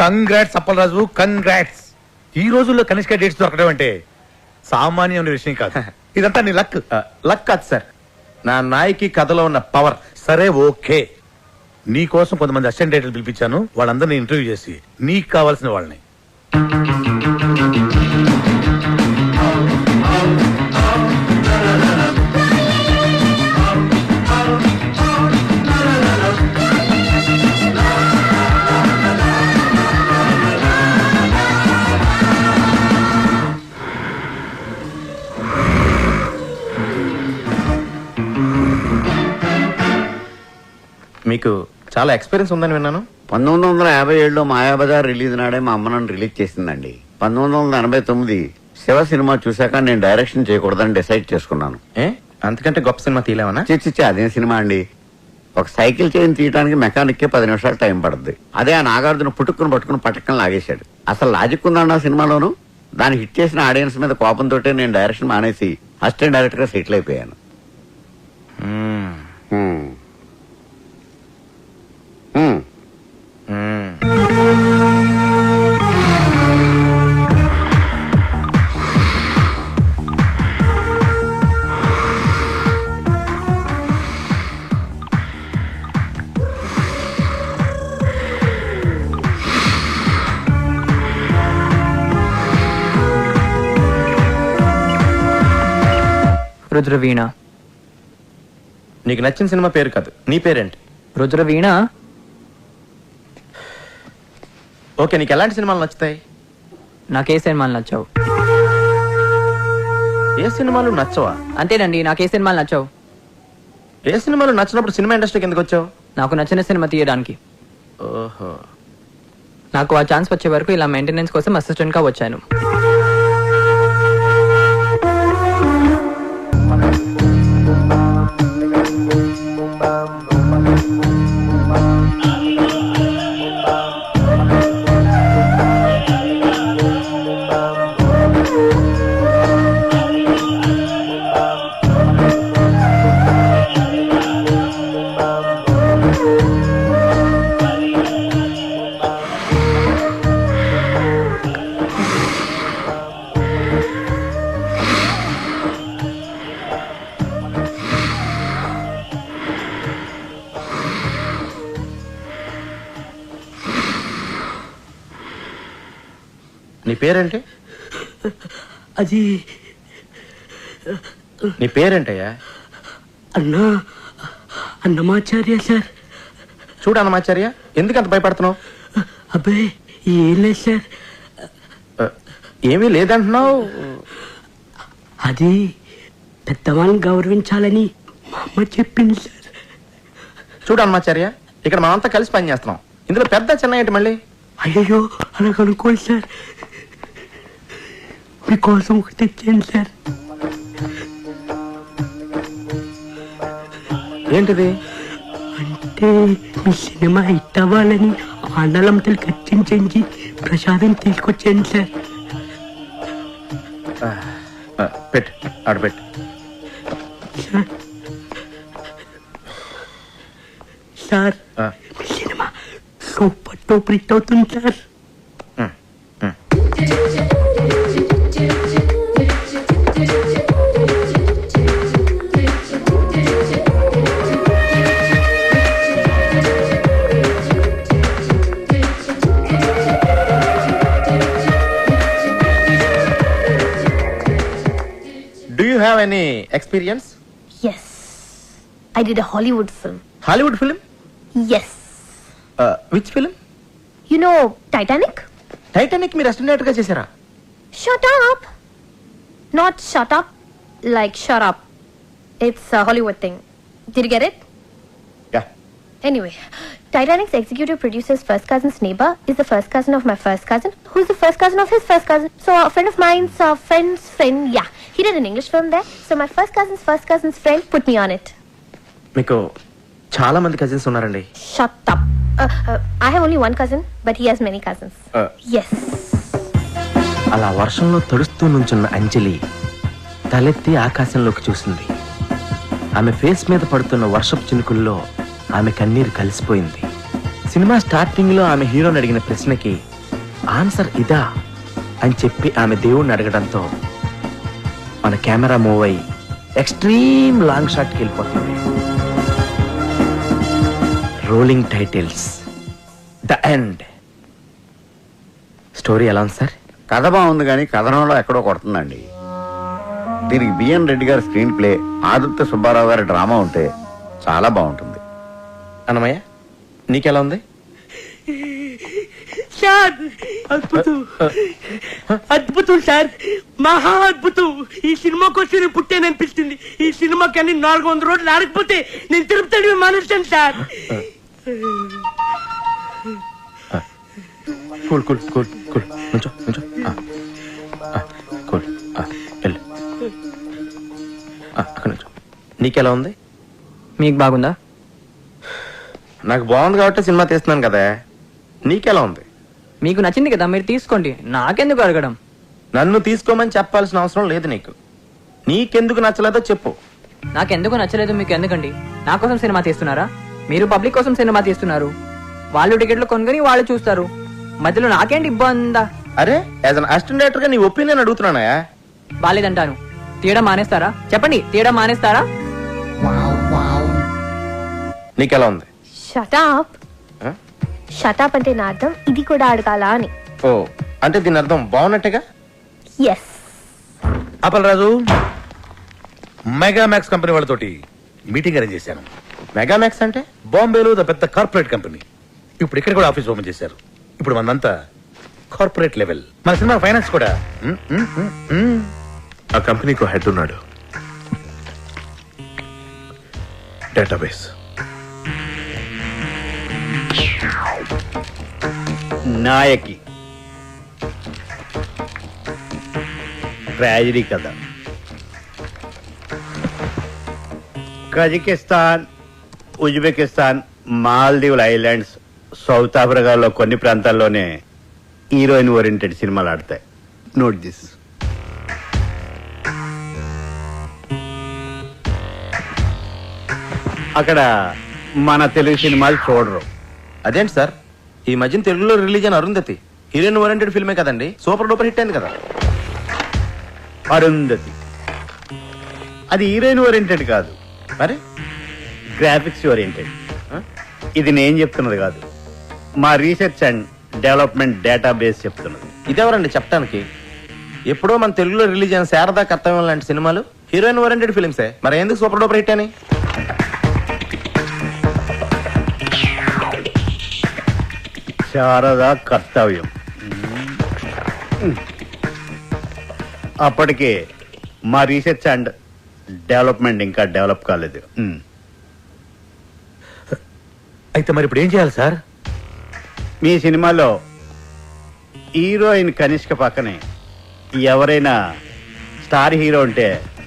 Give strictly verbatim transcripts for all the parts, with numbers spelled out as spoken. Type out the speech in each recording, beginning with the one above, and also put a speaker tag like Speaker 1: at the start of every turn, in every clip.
Speaker 1: Congrats Appalaraju, congrats. ఈ రోజుల్లో Kanishka dates దొరకడం అంటే సామాన్యమైన విషయం కాదు. ఇదంతా నీ లక్.
Speaker 2: లక్ కాదు సార్, నా నాయకి కథలో ఉన్న పవర్.
Speaker 1: సరే ఓకే, నీ కోసం కొంతమంది అసిస్టెంట్ డైరెక్టర్లు పిలిపించాను. వాళ్ళందరినీ ఇంటర్వ్యూ చేసి నీకు కావాల్సిన వాళ్ళని.
Speaker 2: మీకు చాలా ఎక్స్పీరియన్స్ ఉందని విన్నాను.
Speaker 3: పంతొమ్మిది వందల యాభై ఏడులో మాయాబజార్ రిలీజ్ నాడే మా అమ్మ నన్ను రిలీజ్ చేసిందండి. పంతొమ్మిది వందల ఎనభై తొమ్మిది శివ సినిమా చూశాక నేను డైరెక్షన్ చేయకూడదని డిసైడ్ చేసుకున్నాను.
Speaker 2: ఏ అంతకంటే గొప్ప సినిమా తీయలేమన్నా?
Speaker 3: చిచ్చి అదేం సినిమా అండి. ఒక సైకిల్ చైన్ తీయడానికి మెకానిక్ కే పది నిమిషాలు టైం పడుతుంది. అదే ఆ నాగార్జున పుట్టుకుని పట్టుకుని పట్టకని లాగేశాడు. అసలు లాజిక్ ఉందన్న సినిమాలోను. దాన్ని హిట్ చేసిన ఆడియన్స్ మీద కోపంతో నేను డైరెక్షన్ మానేసి అసిస్టెంట్ డైరెక్టర్ గా సెటిల్ అయిపోయాను.
Speaker 4: రుద్రవీణ.
Speaker 2: నీకు నచ్చిన సినిమా పేరు కాదు, నీ పేరేంటి?
Speaker 4: రుద్రవీణ.
Speaker 2: ఓకే, నీకు ఎలాంటి సినిమాలు నచ్చుతాయి?
Speaker 4: నాకే సినిమాలు నచ్చావు.
Speaker 2: ఏ సినిమాలు నచ్చవా?
Speaker 4: అంతేనండి, నాకే సినిమాలు నచ్చావు.
Speaker 2: ఏ సినిమాలు నచ్చినప్పుడు సినిమా ఇండస్ట్రీకి ఎందుకు వచ్చావు?
Speaker 4: నాకు నచ్చిన సినిమా తీయడానికి.
Speaker 2: ఓహో.
Speaker 4: నాకు ఆ ఛాన్స్ వచ్చే వరకు ఇలా మెయింటెనెన్స్ కోసం అసిస్టెంట్ గా వచ్చాను.
Speaker 2: నీ పేరేంటి?
Speaker 5: అది
Speaker 2: నీ పేరేంటయ్యా?
Speaker 5: అన్నా అన్నమాచార్య సార్.
Speaker 2: చూడు అన్నమాచార్య, ఎందుకు అంత భయపడుతున్నావు?
Speaker 5: అబ్బాయి ఏం లేదు సార్.
Speaker 2: ఏమీ లేదంటున్నావు.
Speaker 5: అది పెద్దవాళ్ళని గౌరవించాలని మా అమ్మ చెప్పింది సార్.
Speaker 2: చూడు అన్నమాచార్య, ఇక్కడ మనమంతా కలిసి పని చేస్తున్నాం. ఇందులో పెద్ద చిన్న ఏంటి మళ్ళీ?
Speaker 5: అయ్యో అలా కనుక్కోండి సార్. మీకోసం ఒకటి తెచ్చాను సార్.
Speaker 2: ఏంటిది?
Speaker 5: అంటే మీ సినిమా హిట్ అవ్వాలని ఆండలంతలు ఖర్చించి ప్రసాదం తీసుకొచ్చాను సార్.
Speaker 2: పెట్టు, ఆడబెట్టు.
Speaker 5: సార్ సార్ మీ సినిమా సూపర్ టూపర్ హిట్ అవుతుంది sir.
Speaker 2: Do you have any experience?
Speaker 6: Yes, I did a Hollywood film.
Speaker 2: Hollywood film?
Speaker 6: Yes.
Speaker 2: Uh, which film?
Speaker 6: You know Titanic?
Speaker 2: Titanic మీరు అసిస్టెంట్ గా చేశారా?
Speaker 6: Shut up. Not shut up, like shut up. It's a Hollywood thing. Did you get it?
Speaker 2: Yeah.
Speaker 6: Anyway, Titanic's executive producer's first cousin's neighbor is the first cousin of my first cousin, who's the first cousin of his first cousin. So a friend of mine's uh, friend's friend, yeah, he did an English film there. So my first cousin's first cousin's friend put me on it.
Speaker 2: మీకు చాలా మంది cousins ఉన్నారండి.
Speaker 6: Shut up. Uh, uh, I have only one cousin, but he has many cousins.
Speaker 2: Uh.
Speaker 6: Yes.
Speaker 2: అలా వర్షంలో తడుస్తూ నుంచున్న అంజలి తలెత్తి ఆకాశంలోకి చూసింది. ఆమె ఫేస్ మీద పడుతున్న వర్షపు చినుకుల్లో ఆమె కన్నీరు కలిసిపోయింది. సినిమా స్టార్టింగ్ లో ఆమె హీరోని అడిగిన ప్రశ్నకి ఆన్సర్ ఇదా అని చెప్పి ఆమె దేవుణ్ణి అడగడంతో మన కెమెరా మూవ్ అయ్యి ఎక్స్ట్రీమ్ లాంగ్ షాట్కి వెళ్ళిపోతుంది. Rolling titles, the end. Story ఎలా ఉంది సార్?
Speaker 3: కథ బాగుంది కానీ కథనంలో ఎక్కడో కొడుతుందండి. దీనికి బిఎన్ రెడ్డి గారి స్క్రీన్ ప్లే, ఆదిత్య సుబ్బారావు గారి డ్రామా ఉంటే చాలా బాగుంటుంది.
Speaker 2: అన్నమయ్య నీకెలా ఉంది?
Speaker 5: సార్ అద్భుతం, అద్భుతం సార్, మహా అద్భుతం. ఈ సినిమా కోసం నేను పుట్టాననిపిస్తుంది. ఈ సినిమా కానీ నాలుగు వందల రోజులు ఆడకపోతే నేను తిరుపతి మానేస్తాను sir.
Speaker 2: Cool cool cool cool నుంచో నుంచో కూల్ వెళ్ళు అక్కడ నుంచో. నీకెలా ఉంది?
Speaker 4: మీకు బాగుందా?
Speaker 2: నాకు బాగుంది కాబట్టి సినిమా తీస్తున్నాను కదా. నీకెలా ఉంది?
Speaker 4: మీకు నచ్చింది కదా, మీరు తీసుకోండి, నాకెందుకు అడగడం?
Speaker 2: నన్ను తీసుకోమని చెప్పాల్సిన అవసరం లేదు నీకు. నీకెందుకు నచ్చలేదో చెప్పు.
Speaker 4: నాకెందుకు నచ్చలేదు మీకు ఎందుకండి? నా కోసం సినిమా తీస్తున్నారా? మీరు పబ్లిక్ కోసం సినిమా తీస్తున్నారు. వాళ్ళు టికెట్లు కొనుగొని వాళ్ళు చూస్తారు, మధ్యలో నాకేంటి ఇబ్బందా?
Speaker 2: అరే యాజ్ అన్ అసిస్టెంట్ డైరెక్టర్ గా నీ ఒపీనియన్ అడుగుతున్నానా?
Speaker 4: బాలేదంటాను. తీయడం మానేస్తారా? చెప్పండి, తీయడం మానేస్తారా?
Speaker 2: నీకెలా ఉంది?
Speaker 6: షటాప్.
Speaker 2: Huh?
Speaker 6: షటాప్ అంటే నా అర్థం ఇది కూడా అడగాల అని.
Speaker 2: ఓ అంటే దీని అర్థం బాగున్నట్టుగా.
Speaker 6: ఎస్.
Speaker 1: అప్పలరాజు, మెగామాక్స్ కంపెనీ వాళ్ళతోటి మీటింగ్ అరేంజ్ చేశాను.
Speaker 2: మెగామాక్స్ అంటే?
Speaker 1: బాంబేలో ద పెద్ద కార్పొరేట్ కంపెనీ. ఇప్పుడు ఇక్కడ కూడా ఆఫీస్ ఓపెన్ చేశారు. ఇప్పుడు మనంతా కార్పొరేట్ లెవెల్. మన సినిమా ఫైనాన్స్ కూడా. మ్, మ్, మ్, మ్.
Speaker 7: ఆ కంపెనీకి హెడ్ ఉన్నాడు. డేటాబేస్
Speaker 8: నాయకి ట్రాజడీ కథ. కజకిస్తాన్, ఉజ్బెకిస్తాన్, మాల్దీవుల ఐలాండ్స్, సౌత్ ఆఫ్రికాలో కొన్ని ప్రాంతాల్లోనే హీరోయిన్ ఓరియంటెడ్ సినిమాలు ఆడతాయి. Note this. అక్కడ మన తెలుగు సినిమాలు చూడరు.
Speaker 2: అదేంటి సార్, ఈ మధ్యన తెలుగులో రిలీజ్ అయిన అరుంధతి హీరోయిన్ ఓరియంటెడ్ ఫిల్మే కదండి, సూపర్ డూపర్ హిట్ అయింది కదా.
Speaker 8: అరుంధతి అది హీరోయిన్ ఓరియంటెడ్ కాదు,
Speaker 2: మరి
Speaker 8: గ్రాఫిక్స్ ఓరియంటెడ్. ఇది నేను చెప్తున్నది కాదు, మా రీసెర్చ్ అండ్ డెవలప్మెంట్ డేటాబేస్ చెప్తున్నది.
Speaker 2: ఇదెవరండి చెప్పడానికి? ఎప్పుడో మన తెలుగులో రిలీజ్ అయిన శారదా కర్తవ్యం లాంటి సినిమాలు హీరోయిన్ ఓరియంటెడ్ ఫిల్మ్సే, మరి ఎందుకు సూపర్ డూపర్ హిట్ అని?
Speaker 8: శారదా కర్తవ్యం అప్పటికే మా రీసెర్చ్ అండ్ డెవలప్మెంట్ ఇంకా డెవలప్ కాలేదు.
Speaker 1: అయితే మరి ఇప్పుడు ఏం చేయాలి సార్?
Speaker 8: మీ సినిమాలో హీరోయిన్ కనిష్క పక్కనే ఎవరైనా స్టార్ హీరో ఉంటే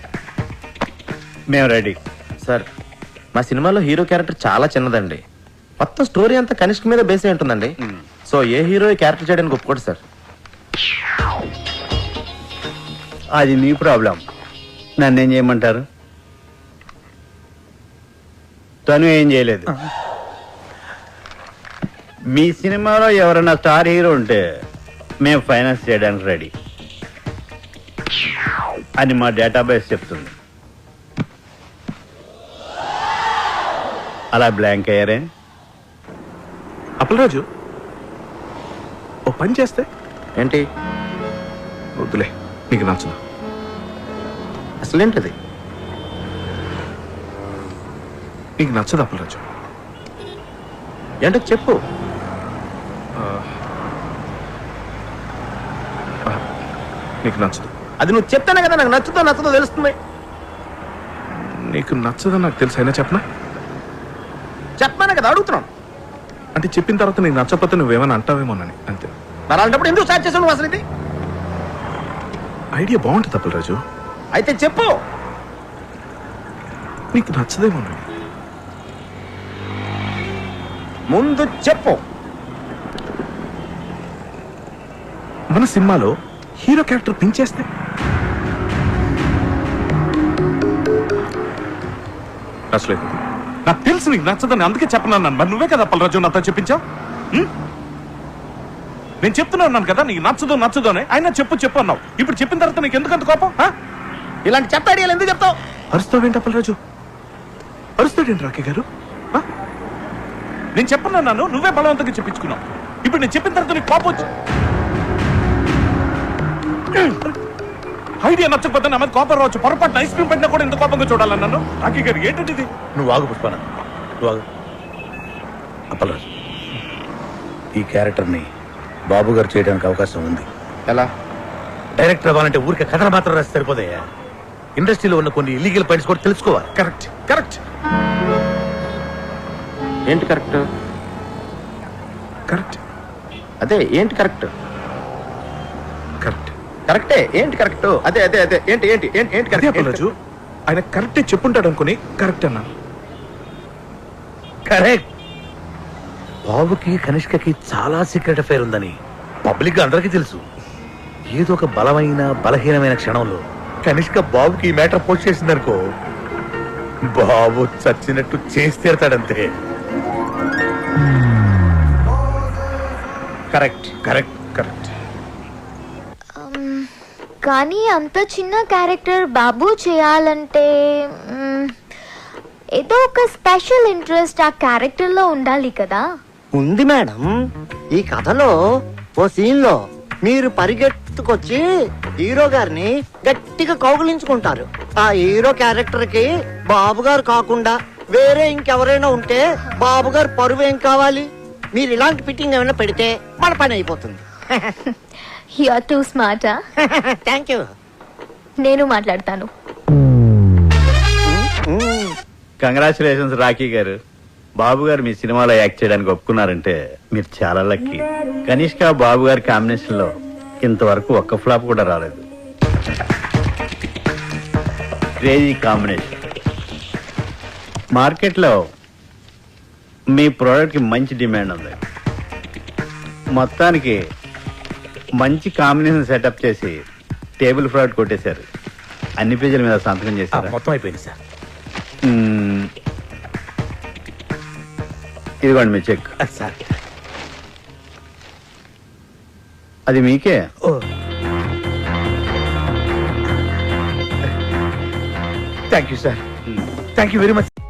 Speaker 8: మేము రెడీ.
Speaker 2: సార్ మా సినిమాలో హీరో క్యారెక్టర్ చాలా చిన్నదండి, మొత్తం స్టోరీ అంతా కనిష్క మీద బేస్ అయి ఉంటుందండి. సో ఏ హీరో ఈ క్యారెక్టర్ చేయడానికి ఒప్పుకోడు సార్.
Speaker 8: అది మీ ప్రాబ్లం, నన్నేం చేయమంటారు? తను ఏం చేయలేదు. మీ సినిమాలో ఎవరైనా స్టార్ హీరో ఉంటే మేము ఫైనాన్స్ చేయడానికి రెడీ అని మా డేటాబేస్ చెప్తుంది. అలా బ్లాంక్ అయ్యారే?
Speaker 7: అప్పలరాజు ఓ పని చేస్తే
Speaker 2: ఏంటి?
Speaker 7: వద్దులే, నీకు నచ్చదు.
Speaker 2: అసలేంటిది?
Speaker 7: నీకు నచ్చదు అప్పలరాజు.
Speaker 2: ఏంటో చెప్పు.
Speaker 7: నీకు నచ్చదు.
Speaker 2: అది నువ్వు చెప్తానే కదా నాకు నచ్చుతో నచ్చదో తెలుస్తుంది.
Speaker 7: నీకు నచ్చదని నాకు తెలుసు, అయినా చెప్పనా?
Speaker 2: చెప్పానే కదా అడుగుతున్నాను.
Speaker 7: అంటే చెప్పిన తర్వాత నీకు నచ్చకపోతే నువ్వేమైనా అంటావేమోనని అంతే.
Speaker 2: మరి అలాంటప్పుడు ఎందుకు స్టార్ట్ చేసావు నువ్వు అసలు? ఇది
Speaker 7: ఐడియా బాగుంటుంది అప్పలరాజు,
Speaker 2: అయితే చెప్పు.
Speaker 7: నీకు నచ్చదేమోనని.
Speaker 2: ముందు చెప్పు.
Speaker 7: మన సినిమాలో హీరో క్యారెక్టర్ పెంచేస్తే నచ్చలేదు. నాకు తెలుసు నీకు నచ్చదని, అందుకే చెప్పనన్నాను. మరి నువ్వే కదా అప్పలరాజు నాతో చెప్పించావు. నేను చెప్తూనే ఉన్నాను కదా నీకు నచ్చదు నచ్చదు అని అయినా చెప్పు చెప్పు అన్నావు. ఇప్పుడు చెప్పిన తర్వాత నీకు ఎందుకంత కోపం? ఆ? ఇలాంటి చెత్త ఐడియాలు ఎందుకు చెప్తావు?
Speaker 2: అరుస్తావేంటి అప్పలరాజు? అరుస్తాడేంటి రాకే గారు?
Speaker 7: ఆ? నేను చెప్పన్నాను, నువ్వే బలవంతంగా చెప్పించుకున్నావు. ఇప్పుడు నేను చెప్పిన తర్వాత నీకు కోపం వచ్చి ఐడియా నచ్చకపోతే నా మీద కోపం రావచ్చు. పొరపాటు ఐస్ క్రీమ్ పెట్టినా కూడా ఎంత కోపంగా చూడాలన్నాను. రాకీ గారు ఏంటంటే ఇది?
Speaker 1: నువ్వు ఆగు పుష్పన, నువ్వు ఆగు. అప్పలరాజు, ఈ క్యారెక్టర్ని బాబు గారు చేయడానికి అవకాశం ఉంది.
Speaker 2: ఎలా?
Speaker 1: డైరెక్టర్ అవ్వాలంటే ఊరికే కథలు మాత్రం రాసి సరిపోతాయా? ఇండస్ట్రీలో ఉన్న కొన్ని ఇల్లీగల్ పాయింట్స్ కూడా తెలుసుకోవాలి.
Speaker 7: కరెక్ట్ కరెక్ట్
Speaker 2: ఏంటి కరెక్ట్?
Speaker 7: కరెక్ట్
Speaker 2: అదే ఏంటి కరెక్ట్?
Speaker 7: కరెక్ట్
Speaker 2: కరెక్టే ఏంటి కరెక్ట్? అదే అదే అదే ఏంటి ఏంటి ఏంటి ఏంటి
Speaker 7: అదే
Speaker 2: కరెక్ట్?
Speaker 7: అప్పలరాజు, ఆయన కరెక్టే చెప్పుంటాడు అనుకుని కరెక్ట్ అన్నాను.
Speaker 1: కరెక్ట్. బాబుకి కనిష్కకి చాలా సీక్రెట్ అఫైర్ ఉందని పబ్లిక్ గా అందరికీ తెలుసు. ఏదో ఒక బలమైన బలహీనమైన క్షణంలో కనిష్క బాబుకి ఈ మ్యాటర్ పోస్ట్ చేసిందనుకో, బాబు చచ్చినట్టు చేసి తీరతాడంతే.
Speaker 7: కరెక్ట్ కరెక్ట్ కరెక్ట్
Speaker 6: కానీ అంత చిన్న క్యారెక్టర్ బాబు చేయాలంటే మ్, ఏదో ఒక స్పెషల్ ఇంట్రెస్ట్ ఆ క్యారెక్టర్ లో ఉండాలి కదా.
Speaker 9: ఉంది మేడం. ఈ కథలో ఓ సీన్ లో మీరు పరిగెత్తుకొచ్చి హీరో గారిని గట్టిగా కౌగులించుకుంటారు. ఆ హీరో క్యారెక్టర్ కి బాబు గారు కాకుండా వేరే ఇంకెవరైనా ఉంటే బాబు గారు పరువు ఏం కావాలి? మీరు ఇలాంటి ఫిట్టింగ్ ఏమైనా పెడితే మన పని అయిపోతుంది.
Speaker 6: You are too smart.
Speaker 9: Thank you.
Speaker 6: నేను మాట్లాడతాను.
Speaker 8: కంగ్రాచులేషన్స్ రాకీ గారు. బాబు గారు మీ సినిమాలో యాక్ట్ చేయడానికి ఒప్పుకున్నారంటే మీరు చాలా లక్కీ. కనిష్క బాబు గారి కాంబినేషన్ లో ఇంతవరకు ఒక్క ఫ్లాప్ కూడా రాలేదు. Crazy combination. మార్కెట్లో మీ ప్రోడక్ట్ కి మంచి డిమాండ్ ఉంది. మొత్తానికి మంచి కాంబినేషన్ సెటప్ చేసి టేబుల్ ఫ్రాడ్ కొట్టేశారు. అన్ని పేజీల మీద సంతకం
Speaker 1: ఆ,
Speaker 8: చేశారు.
Speaker 1: మొత్తం అయిపోయింది సార్.
Speaker 8: మ్మ్. ఇదిగోండి మీ చెక్.
Speaker 1: ఆ, సార్
Speaker 8: అది మీకే.
Speaker 1: Oh thank you sir, thank you very much.